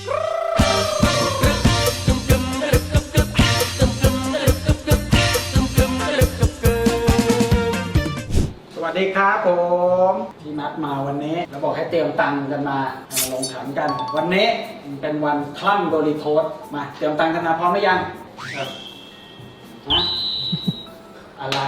สวัสดีครับผมที่นัดมาวันนี้เราบอกให้เตรียมตังค์กันมาลงขันกันวันนี้เป็นวันคลั่งโดริโทสมาเตรียมตังค์กันมาพร้อมหรือยังครับฮะอะไร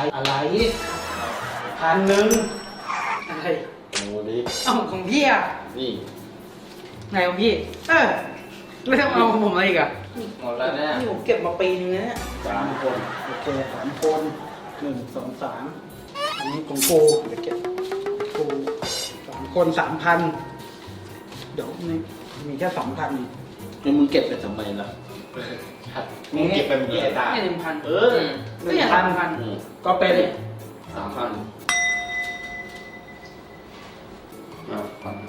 1,000อะไรโอ้ดิเอาของพี่อ่ะนี่ไงของพี่แล้วจะเอาของผมอะไรอีกอ่ะหมดแล้วเนี่ยนี่ผมเก็บมาปีนึงแล้วเนี่ย 3 คนโอเค3 คน1 2 3อันนี้ของกูเดี๋ยวเก็บกู3 คน 3,000เดี๋ยวมีแค่ 2,000 แล้วมึงเก็บไปทำไมล่ะมึงเก็บไปมึงเก็บได้นี่1,000ก็อย่าง1,000 ก็เป็น 3,000อ่ะพัน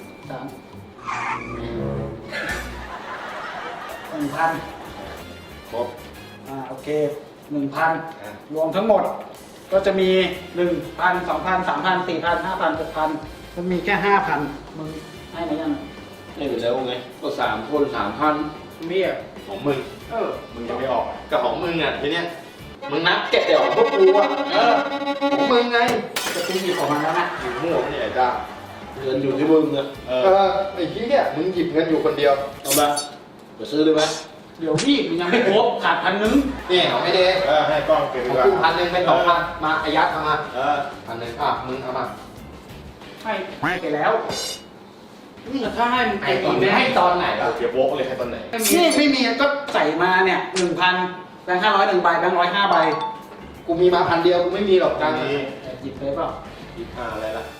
1,000 ครบโอเค 1,000 รวมทั้งหมดก็จะมี 1,000 2,000 3,000 4,000 5,000 6,000มันมีแค่ 5,000มึงให้ไหมยังไม่อยู่แล้วไงก็3 คน 3,000 พี่อ่ะของมึงมึงจะไม่ออกกับของมึงอ่ะทีเนี้ยมึงนับเก็บแต่ของพวกกูอ่ะของมึงไงจะตีมีของมันแล้วนะอยู่มั่วเนี่ยไอ้จ้าเงินอยู่ที่มึงอะไอ้ที่เนี่ยมึงหยิบเงินอยู่คนเดียวเอามาไปซื้อเลยไหมเดี๋ยวพี่มันยังไม่ครบขาด1,000 นี่ของไอ้เด็กให้กล้องเก็บขดีองกว่ากู1,000เป็น2,000มาอายัดเอามา 1,000มึงเอามาให้ไปแล้วนี่ถ้าให้มันไอ้เป็นตอนอีกนี้ไหมให้ตอนไหนเก็บโวกเลยให้ตอนไหนนี่ไม่มีก็ใส่มาเนี่ย 1,000 แบงค์500 1 ใบแบงค์100 5 ใบกูมีมา1,000 เดียวกูไม่มีหรอกตังค์นี้หยิบเลยเปล่า 25อะไรล่ะ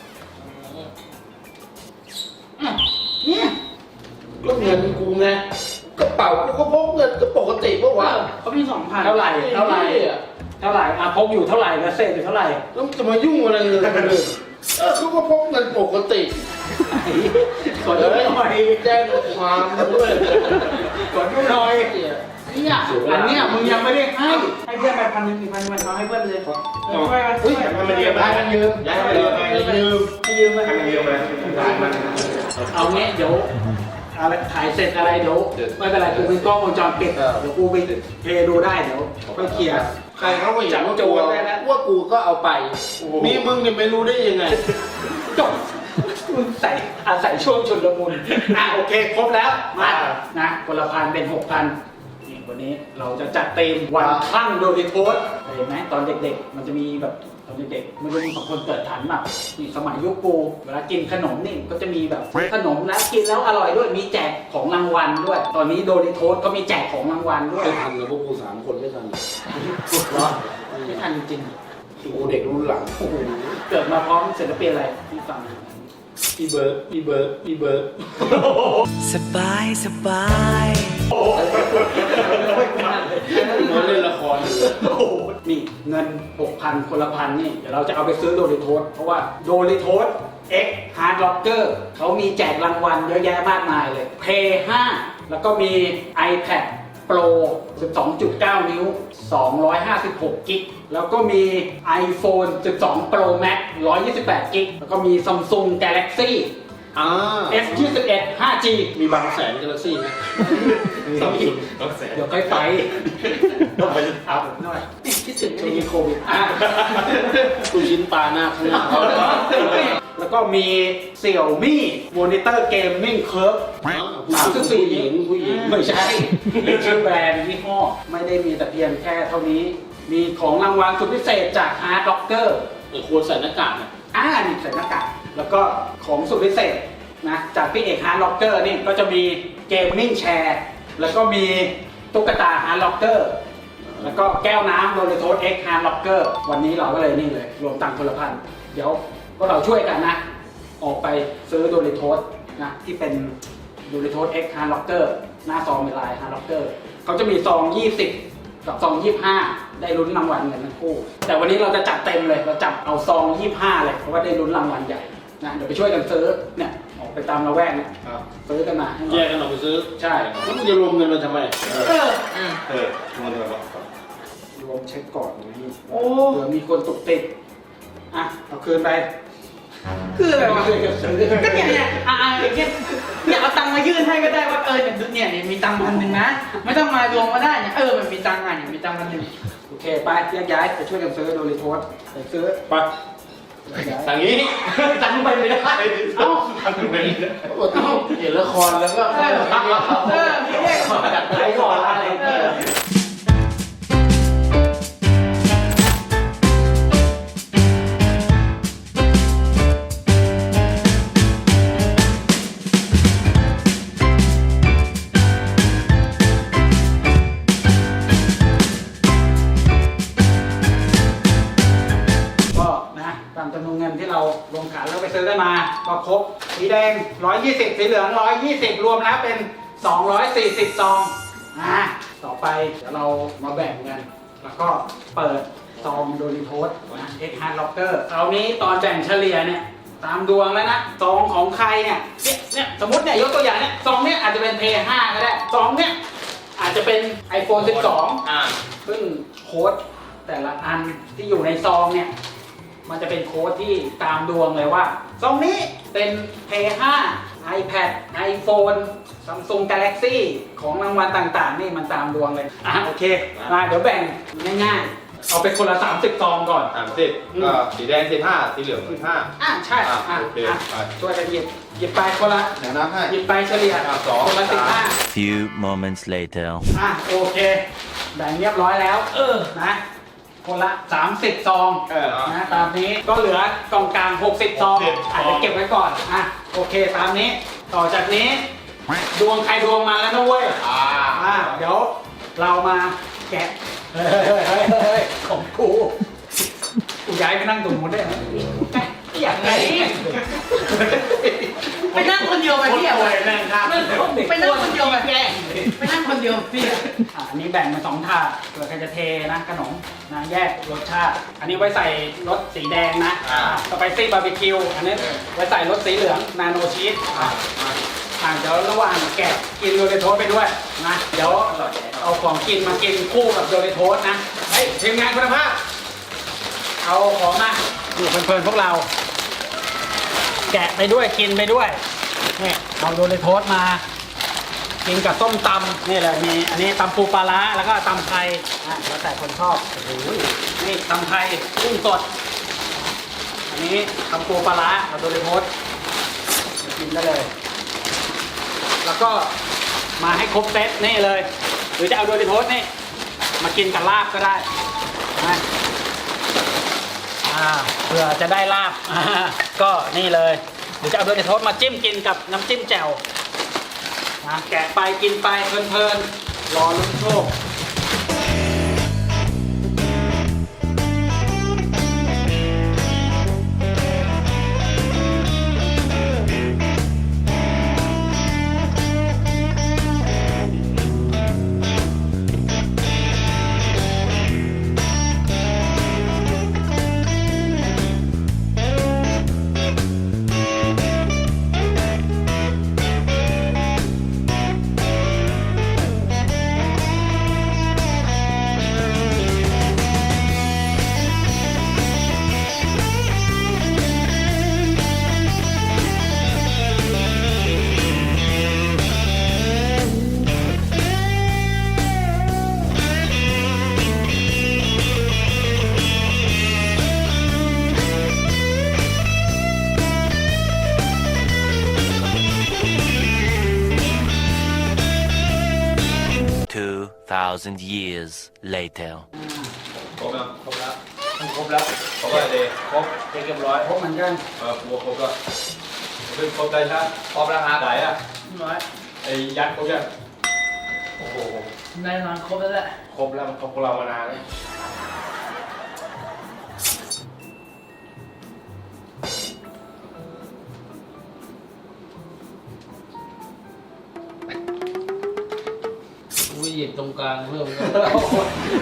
เนี่ยก็เงินกูไงกระเป๋ากูก็พกเงินก็ปกติปะวะเขาพี่2,000 เท่าไหร่พกอยู่เท่าไหร่แล้วเศษอยู่เท่าไหร่แล้วจะมายุ่งอะไรเลยเขาก็พกเงินปกติกดดูหน่อยแจ้งความด้วยกดดูหน่อยเนี่ยอันเนี้ยมึงยังไม่ได้ให้เพื่อนไป1,000 1,000มันเขาให้เพื่อนเลยอุ้ยมันเรียบร้อยมันยืมย้ายไปเลยยืมให้ยืมไหมให้มันยืมเลยได้มันเอาเงี้ยเดี๋ยวอะไรถ่ายเสร็จอะไรเดี๋ยวไม่เป็นไรกูมีกล้องวงจรปิดเดี๋ยวกูไปเพย์ดูได้เดี๋ยวค่อยเคลียร์ใครเขาก็อยากว่ากูว่ากูก็เอาไปมีมึงเนี่ยไม่รู้ได้ยังไงจบมึงอาศัยช่วงชุนละมุนโอเคครบแล้วมานะคนละ1,000เป็น6,000นี่วันนี้เราจะจัดเต็มวันคลั่งโดริโทสเห็นไหมตอนเด็กๆมันจะมีแบบตอนเด็กๆไม่รู้มีบางคนเกิดทันแบบนี่สมัยยุคกูเวลากินขนมนี่ก็จะมีแบบขนมแล้วกินแล้วอร่อยด้วยมีแจกของรางวัลด้วย ตอนนี้โดริโทสก็มีแจกของรางวัลด้วยไม่ทันกับพวกกู3 คนไม่ทันเหรอไม่ทันจริงกูเด็กรุ่นหลังโอ้โหเกิดมาพร้อมศิลปินอะไรที่ฟังอีเบิร์ดสบายมาเล่นละครอยู่เลยนี่เงิน 6,000 คนละ1,000นี่เดี๋ยวเราจะเอาไปซื้อโดริโทสเพราะว่าโดริโทส X Hard Rocker เขามีแจกรางวัลเยอะแยะมากมายเลย Play 5 แล้วก็มี iPad Pro 12.9 นิ้ว 256 กิก แล้วก็มี iPhone 12 Pro Max 128 กิก แล้วก็มี Samsung Galaxy S21 5G มีบางแสนกาแล็กซี่ไหมต้องแสนเดี๋ยวค่อยไปต้องไปเอาหน่อยคิดถึงช่วงนี่นี้โควิดลูกชิ้นปลาหน้าข้างหน้าแล้วก็มี Xiaomi Monitor Gaming Curve ผู้หญิงไม่ใช่ชื่อแบรนด์ยี่ห้อไม่ได้มีแต่เพียงแค่เท่านี้ มีของรางวัลสุดพิเศษจาก Hard Rocker ควรใส่หน้ากากนะนี่ใส่หน้ากากแล้วก็ของสุดพิเศษนะจากพี่เอก Hard Rocker นี่ก็จะมี Gaming Chair แล้วก็มีตุ๊กตา Hard Rocker แล้วก็แก้วน้ำโดริโทส X Hard Rocker วันนี้เราก็เลยนี่เลยรวมตังค์คนละพันเดี๋ยวพวกเราช่วยกันนะ ออกไปซื้อโดริโทสนะที่เป็นโดริโทส X Hard Rocker หน้าซองเป็นลาย Hard Rocker เขาจะมีซอง 20 กับซอง 25 ได้ลุ้นรางวัลเงินทั้งคู่ แต่วันนี้เราจะจัดเต็มเลยเราจับเอาซอง 25 เลยเพราะว่าได้ลุ้นรางวัลใหญ่นะเดี๋ยวไปช่วยกันซื้อเนี่ยออกไปตามละแวกเนี่ยซื้อกันมาให้หน่แยอยกกันออกไปซื้อใช่แล้วมึงจะรวมเงินมาทำไมมันแบบว่ารวมเช็คก่อนนี่เผื่อมีคนตกติดเอาคืนไปคืออะไรวะช่วยกันซื้อก็เนี่ยเนี่ยเอาตังค์มายื่นให้ก็ได้ว่าเนี่ยมีตังค์1,000นะไม่ต้องมารวมก็ได้เนี่ยมันมีตังค์เนี่ยมีตังค์1,000 โอเคไปแยกย้ายไปช่วยกันซื้อโดริโทสไปซื้อไปทางนี้ตังไปไม่ได้เอ้าทำเป็นเห็นละครแล้วก็พี่เรียกจัดไปก่อนอะไรก็นะตามจำนวนเงินที่เราลงขันแล้วไปซื้อกันมาก็ครบสีแดง120สีเหลือง120รวมแล้วเป็น240ซองต่อไปเดี๋ยวเรามาแบ่งกันแล้วก็เปิดซองโดริโทสนะเอ็กฮาร์ดล็อกเกอร์คราวนี้ตอนแบ่งเฉลี่ยเนี่ยตามดวงแล้วนะซองของใครเนี่ยสมมติเนี่ยยกตัวอย่างเนี่ยซองเนี่ยอาจจะเป็น P5 ก็ได้ซองเนี่ยอาจจะเป็น iPhone 12 ซึ่งโค้ดแต่ละอันที่อยู่ในซองเนี่ยมันจะเป็นโค้ดที่ตามดวงเลยว่าซองนี้เป็น P5 iPad iPhone Samsung Galaxy ของรางวัลต่างๆนี่มันตามดวงเลยโอเคมาเดี๋ยวแบ่งง่ายๆเอาไปคนละ30ซองก่อน 30ก็สีแดง15สีเหลือง15 ใช่โอเคไปช่วยกันหยิบไปคนละเดี๋ยวนับให้หยิบไปเฉลี่ยสองคนละสาม Few moments later. 15โอเคแบ่งเรียบร้อยแล้วนะคนละ30ซอง นะตามนี้ก็เหลือกล่องกลาง60ซองอาจจะเก็บไว้ก่อนโอเคตามนี้ต่อจากนี้ดวงใครดวงมาแล้วนะเว้ยเดี๋ยวเรามาแกะเฮ้ยของกูย้ายไปนั่งตรงนู้นได้ไหมอยากไงไปนั่งคนเดียวไปพี่ไปนั่งข้างไปนั่งคนเดียวไปไปนั่งคนเดียวพี่อันนี้แบ่งเป็น2ถาดเผื่อใครจะเทนะขนมนะแยกรสชาติอันนี้ไว้ใส่รสสีแดงนะสไปซี่บาร์บีคิวอันนี้ไว้ใส่รสสีเหลืองนาโนชีสเดี๋ยวระหว่างแกะกินโดเรโทสไปด้วยนะเดี๋ยวเอาของกินมากินคู่กับโดเรโทสนะเฮ้ยทีมงานคุณภาพเอาของมาอยู่เพลินๆพวกเรา แกะไปด้วยกินไปด้วยนี่เอาโดเรโทสมากินกับส้มตำนี่เลยมีอันนี้ตำปูปลาร้าแล้วก็ตำไทยแล้วแต่คนชอบโอ้โหนี่ตำไทยกุ้งสดอันนี้ตำปูปลาร้าเอาโดเรโทสมากินได้เลยแล้วก็มาให้ครบเซตนี่เลยหรือจะเอาโดเรโทสนี่มากินกับลาบก็ได้นะเพื่อจะได้ลาบก็นี่เลยหรือจะเอาโดเรโทสมาจิ้มกินกับน้ำจิ้มแจ่วแกะไปกินไปเพลินๆรอลุ้นโชค 2,000 years later. ครบแล้วครบแล้วครบแล้วครบแล้วเลยครบเรียบร้อยครบเหมือนกันครบแล้วเป็นครบได้ใช่ครบแล้วฮะไหนอ่ะร้อยไอ้ยัดครบยังโอ้โหแน่นอนครบแล้วแหละครบแล้วมันครบพวกเรามานานแล้วอุ้ยหยิบตรงกลางเพิ่มโอ้โห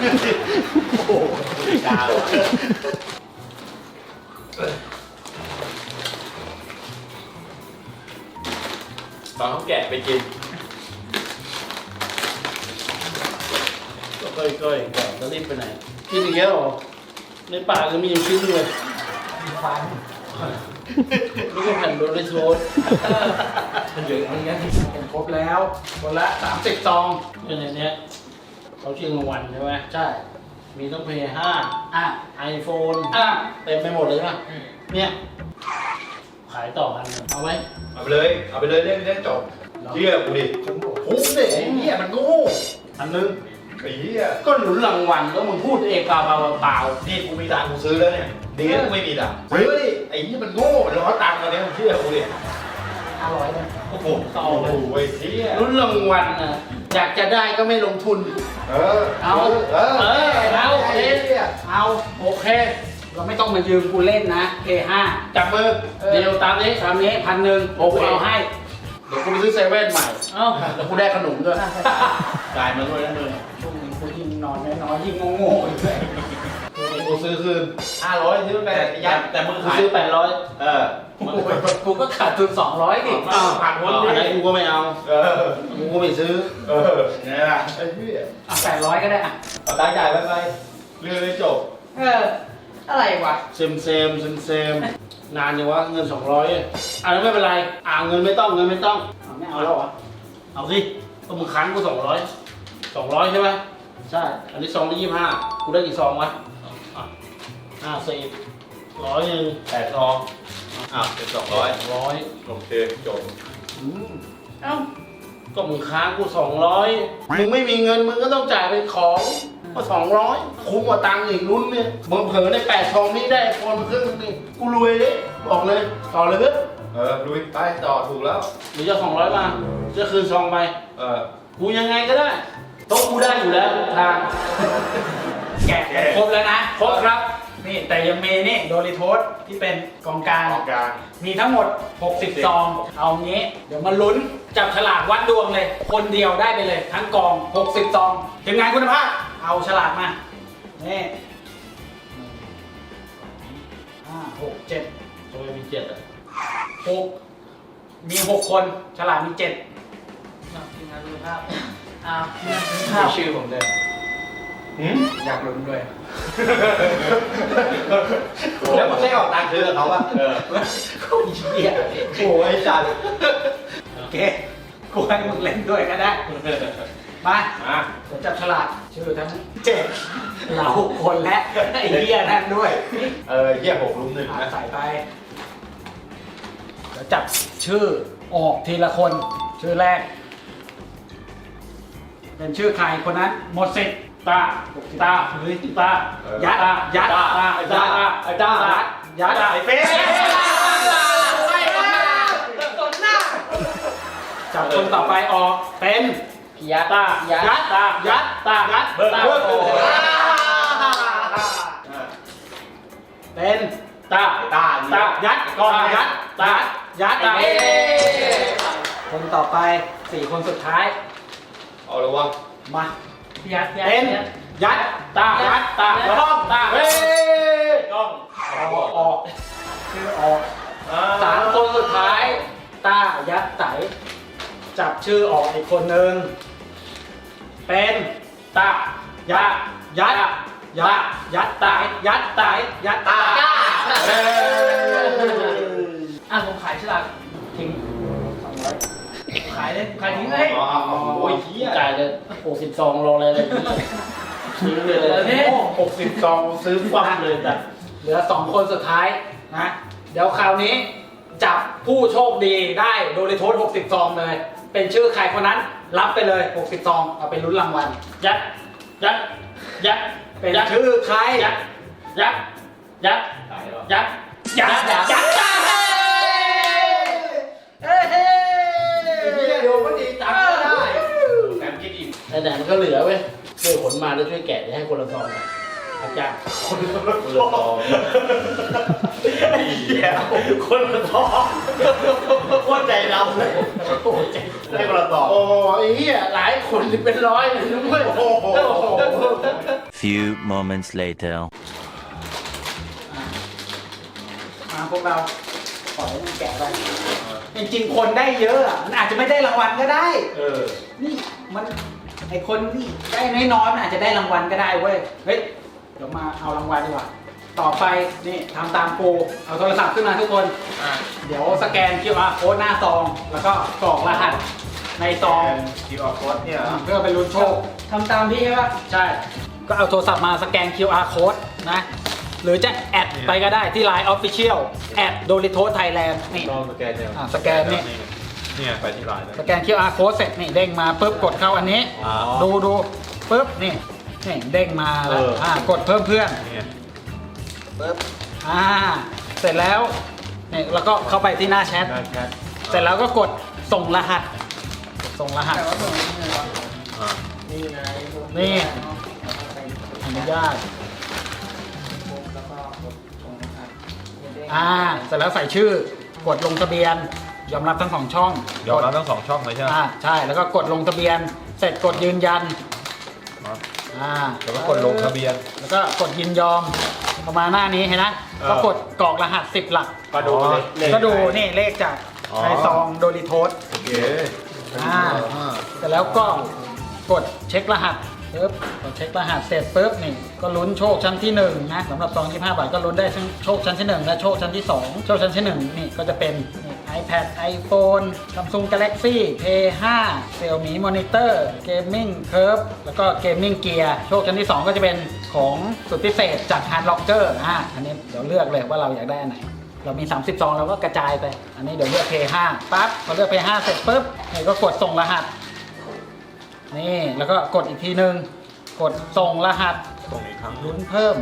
ดาวตอนเขาแกะไปกินก็ก้อยๆก่อนจะรีบไปไหนกินอีกแล้วเหรอในปากก็มีอยู่ชิ้นเลยฟันนี่ก็แผ่นโดนเลยโซนมันเยอะมันเงี้ยเป็นครบแล้วคนละ30 ซองเนี่ยเนี่ยเขาชิงรางวัลใช่ไหมใช่มีต้องเพย์อ่ะ 5 iPhone เต็มเต็มไปหมดเลยใช่ไหมเนี่ยขายต่อกันเอาไว้เอาไปเลยเล่นจบเหี้ยกูดิคุ้มเด็เหี้ยมันโง่อันนึงไอ้เหี้ยก็หนุนรางวัลแล้วมึงพูดเองเปล่าเปล่านี่กูมีตังค์กูซื้อแล้วเนี่ยดีนะกูไม่มีตังค์ซื้อดิไอ้เหี้ยมันโง่มันร้อนตังค์ตอนนี้มึงเชื่อกูดิ 500นะโอ้โหไอ้เหี้ยลุ้นรางวัลนะอยากจะได้ก็ไม่ลงทุนเอาโอเค เราไม่ต้องมายืมกูเล่นนะ P5 จับมือเดียวตามนี้ตามนี้1,000ผมเอาให้เดี๋ยวกูไปซื้อเซเว่นใหม่เอ้าแล้วกูได้ขนมด้วยจ่ายมาด้วยนะมึงช่วงนี้กูยิ่งนอนน้อยๆยิ่งโง่ๆอยู่เลยกูซื้อคืน 500ซื้อไปยัดแต่มึงกูขายซื้อกูก็ขาดทุน200ดิผ่านพ้นอันไหนดิกูก็ไม่เอากูก็ไม่ซื้อไงล่ะไอ้เหี้ยเอา800ก็ได้อ่ะเอาตังค์จ่ายไปเรื่องเลยจบอะไรวะเซมนานยังวะเงิน200อ่ะแล้วไม่เป็นไรเงินไม่ต้องเอาไม่เอาแล้วเหรอเอาสิก็มึงค้างกู200ใช่ไหมใช่อันนี้ซองละ25กูได้กี่ซองวะ50 100นึง 8 ซองเป็น200 100 โอเคจบเอ้าก็มึงค้างกู200มึงไม่มีเงินมึงก็ต้องจ่ายเป็นของก็200คุ้มกว่าตังค์อีกรุ่นเนี่ยมึงเผลอใน8ซองนี้ได้ไอโฟนมาครึ่งนึงกูรวยเลยบอกเลยต่อเลยเว้ยลุยไปต่อถูกแล้วหรือจะ200มาจะคืนซองไป กูยังไงก็ได้โต๊ะกูได้อยู่แล้วทางแกะครบแล้วนะครบครับนี่แต่ยังมีนี่โดริโทสที่เป็นกองกลางกองกลางมีทั้งหมด 60 ซอง เอางี้ เดี๋ยวมาลุ้นจับฉลากวัดดวงเลย คนเดียวได้ไปเลย ทั้งกอง 60 ซองทีมงานคุณภาพ เอาฉลากมา นี่5 6 7 ทำไมมี7อ่ะ 6 มี 6 คน ฉลากมี 7 ทีมงานดูภาพมีชื่อผมด้วยอยากลุ้นด้วยแล้วมึงได้ออกตังค์ซื้อกับเขาป่ะโคตรเหี้ยโอ้ยจัดโอเค กูให้มึงเล่นด้วยก็ได้ มาเดี๋ยวจับฉลากชื่อทั้ง7เราคนและไอ้เหี้ยนั่นด้วยเหี้ย6 ลุม 1นะใส่ไปเดี๋ยวจับชื่อออกทีละคน ชื่อแรก เป็นชื่อใครคนนั้นหมดสิทธิ์ตาเฮ้ยตายัดยัดไอ้เป๊ะจับคนต่อไปออกเป็นยัดเป็นยัดก่อนยัดคนต่อไป4 คนสุดท้ายเอาละวะมาเป็นยัดแล้วต้องเฮ้ยต้องออกชื่อออก3 คนสุดท้ายยัดไตจับชื่อออกอีกคนนึงเป็นยัดไตผมขายฉลากทิ้ง200ขายทิ้งเลยโอ้ยเหี้ยจ่ายเลย60ซองรอเลยซื้อเลย60ซองซื้อฟังเลยแต่เหลือ2 คนสุดท้ายนะเดี๋ยวคราวนี้จับผู้โชคดีได้โดริโทส60 ซองเลย เป็นชื่อใครคนนั้นรับไปเลย60 ซองเอาไปลุ้นรางวัลยัดเป็นชื่อใครยัดเฮ้ยโดนมันดีจังก็ได้แถมกินอีกแต่มันก็เหลือเว้ยช่วยขนมาแล้วช่วยแกะให้คนละซองอาจารย์คนละซองคนละซองโคตรใจเราเลยโอ้ใจให้คนละต่อโอ้ไอ้เหี้ยหลายคนเป็นร้อยเลยด้วย Few moments later. มาพวกเราขอให้มันแกะไปจริงๆคนได้เยอะอะมันอาจจะไม่ได้รางวัลก็ได้ นี่มันไอคนนี่ได้น้อยๆมันอาจจะได้รางวัลก็ได้เว้ย เฮ้ย เดี๋ยวมาเอารางวัลดีกว่าต่อไปนี่ทำตามกูเอาโทรศัพท์ขึ้นมาทุกคน เดี๋ยวสแกน QR code หน้าซอง แล้วก็กรอกรหัสในซอง QR code เนี่ยเหรอเพื่อไปลุ้นโชคทำตามพี่ใช่ปะใช่ ก็เอาโทรศัพท์มาสแกน QR code นะ หรือจะแอดไปก็ได้ที่ Line Official แอด Doritos Thailand นี่ต้องสแกนเนี่ยสแกนนี่เนี่ยไปที่ไลน์สแกน QR code เสร็จนี่เด้งมาปุ๊บกดเข้าอันนี้อ๋อดูปุ๊บนี่เด้งมาแล้วกดเพิ่มเพื่อนเนี่ยปุ๊บเสร็จแล้วนี่แล้วก็เข้าไปที่หน้าแชทได้แคทเสร็จแล้วก็กดส่งรหัส ส่งรหัสอ่านี่อนุญาตเสร็จแล้วใส่ชื่อกดลงทะเบียนยอมรับทั้งสองช่องยอมรับทั้ง2ช่องเลยใช่ไหมใช่แล้วก็กดลงทะเบียน เสร็จกดยืนยันแล้วก็กดลงทะเบียนแล้วก็กดยินยอมประมาณหน้านี้เห็นนะก็กดกรอกรหัส10 หลักก็ดูเลยก็ดูนี่เลขจากในซองโดริโทสโอเคเสร็จแล้วก็กดเช็ครหัสปึ๊บกดเช็ครหัสเสร็จปึ๊บนี่ก็ลุ้นโชคชั้นที่1นะสำหรับซอง25 บาทก็ลุ้นได้ทั้งโชคชั้นที่1และโชคชั้นที่2โชคชั้นที่1นี่ก็จะเป็นนี่ iPad iPhone Samsung Galaxy Play 5 Xiaomi Monitor Gaming Curve แล้วก็ Gaming Gear โชคชั้นที่2ก็จะเป็นของสุดพิเศษจาก Hard Locker อันนี้เดี๋ยวเลือกเลยว่าเราอยากได้อันไหน เรามี30ซองเราก็กระจายไปอันนี้เดี๋ยวเลือก Play 5ปั๊บพอเลือก Play 5เสร็จปุ๊บนี่ก็กดส่งรหัสนี่แล้วก็กดอีกทีนึงกดส่งรหัสส่งอีกครั้งลุ้นเพิ่ม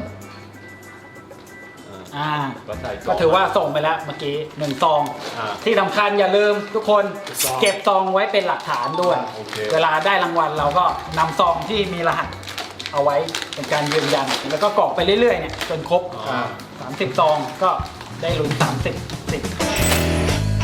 ก็ใส่ก็ถือว่าส่งไปแล้วเมื่อกี้1ซองอ่าที่สำคัญอย่าลืมทุกคนเก็บซองไว้เป็นหลักฐานด้วยโอเคเวลาได้รางวัลเราก็นำซองที่มีรหัสเอาไว้เป็นการยืนยันแล้วก็กรอกไปเรื่อยๆเนี่ยจนครบ30ซองก็ได้ลุ้น30 10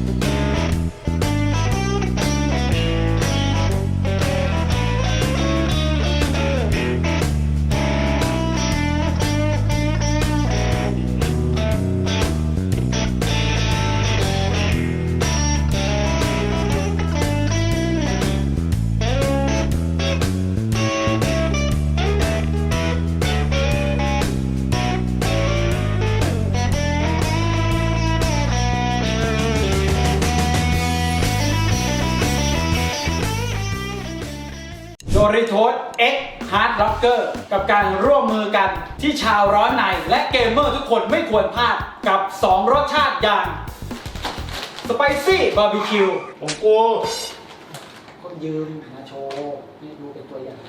โดริโทส X Hard Locker กับการร่วมมือกันที่ชาวร้อนในและเกมเมอร์ทุกคนไม่ควรพลาดกับ 2 รสชาติอย่าง Spicy Barbecue ของกูคนยืมมาโชว์นี่ดูเป็นตัวอย่าง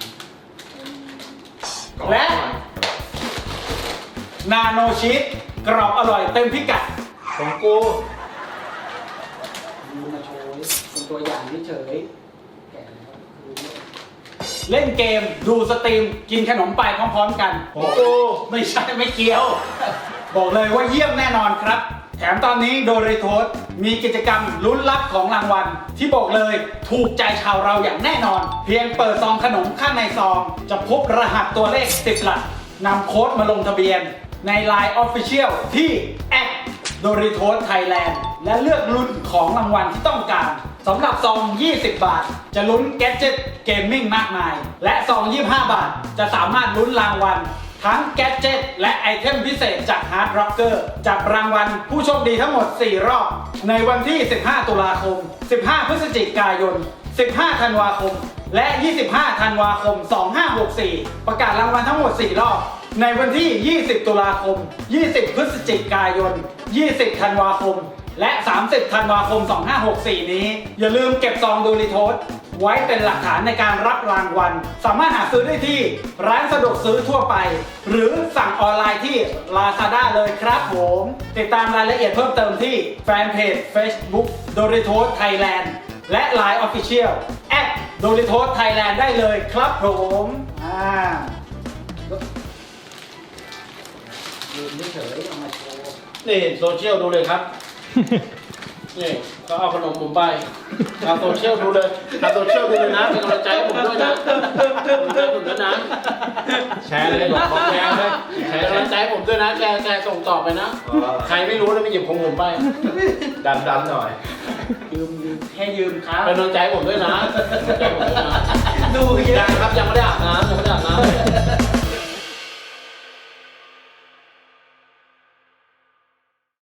และ Nano Cheese กรอบอร่อยเต็มพิกัดของกูยืมมาโชว์เป็นตัวอย่างเฉยๆแกะแล้วเล่นเกมดูสตรีมกินขนมไปพร้อมๆกันของกูไม่ใช่ไม่เกี่ยว บอกเลยว่าเยี่ยมแน่นอนครับ แถมตอนนี้โดริโทสมีกิจกรรมลุ้นรับของรางวัล ที่บอกเลยถูกใจชาวเราอย่างแน่นอน เพียงเปิดซองขนมข้างในซอง จะพบรหัสตัวเลข10 หลักนำโค้ดมาลงทะเบียนใน Line Official ที่ @Doritos Thailand และเลือกลุ้นของรางวัลที่ต้องการสำหรับซอง20 บาท จะลุ้นแกดเจ็ตเกมมิ่งมากมาย และซอง25 บาท จะสามารถลุ้นรางวัล ทั้งแกดเจ็ตและไอเทมพิเศษจาก Hard Rocker จับรางวัลผู้โชคดีทั้งหมด 4 รอบ ในวันที่ 15 ตุลาคม 15 พฤศจิกายน 15 ธันวาคม และ 25 ธันวาคม 2564 ประกาศรางวัลทั้งหมด 4 รอบ ในวันที่ 20 ตุลาคม 20 พฤศจิกายน 20 ธันวาคม และ 30 ธันวาคม 2564 นี้ อย่าลืมเก็บซองโดริโทสไว้เป็นหลักฐานในการรับรางวัล สามารถหาซื้อได้ที่ร้านสะดวกซื้อทั่วไป หรือสั่งออนไลน์ที่ Lazada เลยครับผม ติดตามรายละเอียดเพิ่มเติมที่แฟนเพจ Facebook Doritos Thailand และ Line Official @Doritos Thailand ได้เลยครับผมยืนเฉยๆเอามาโชว์นี่โซเชียลดูเลยครับ นี่ก็เอาขนมผมไปเอาโซเชียลดูเลยเอาโซเชียลดูเลยนะเป็นกำลังใจให้ผมด้วยนะผมด้วยนะแชร์เลยบอกแชร์เลยแชร์กำลังใจให้ผมด้วยนะแชร์ส่งต่อไปนะ ใครไม่รู้นะไม่หยิบของผมไปดันหน่อยยืมให้ยืมครับเป็นกำลังใจให้ผมด้วยนะเป็นกำลังใจให้ผมด้วยนะดูเยยัอะงครับยังไม่ได้อาบน้ำ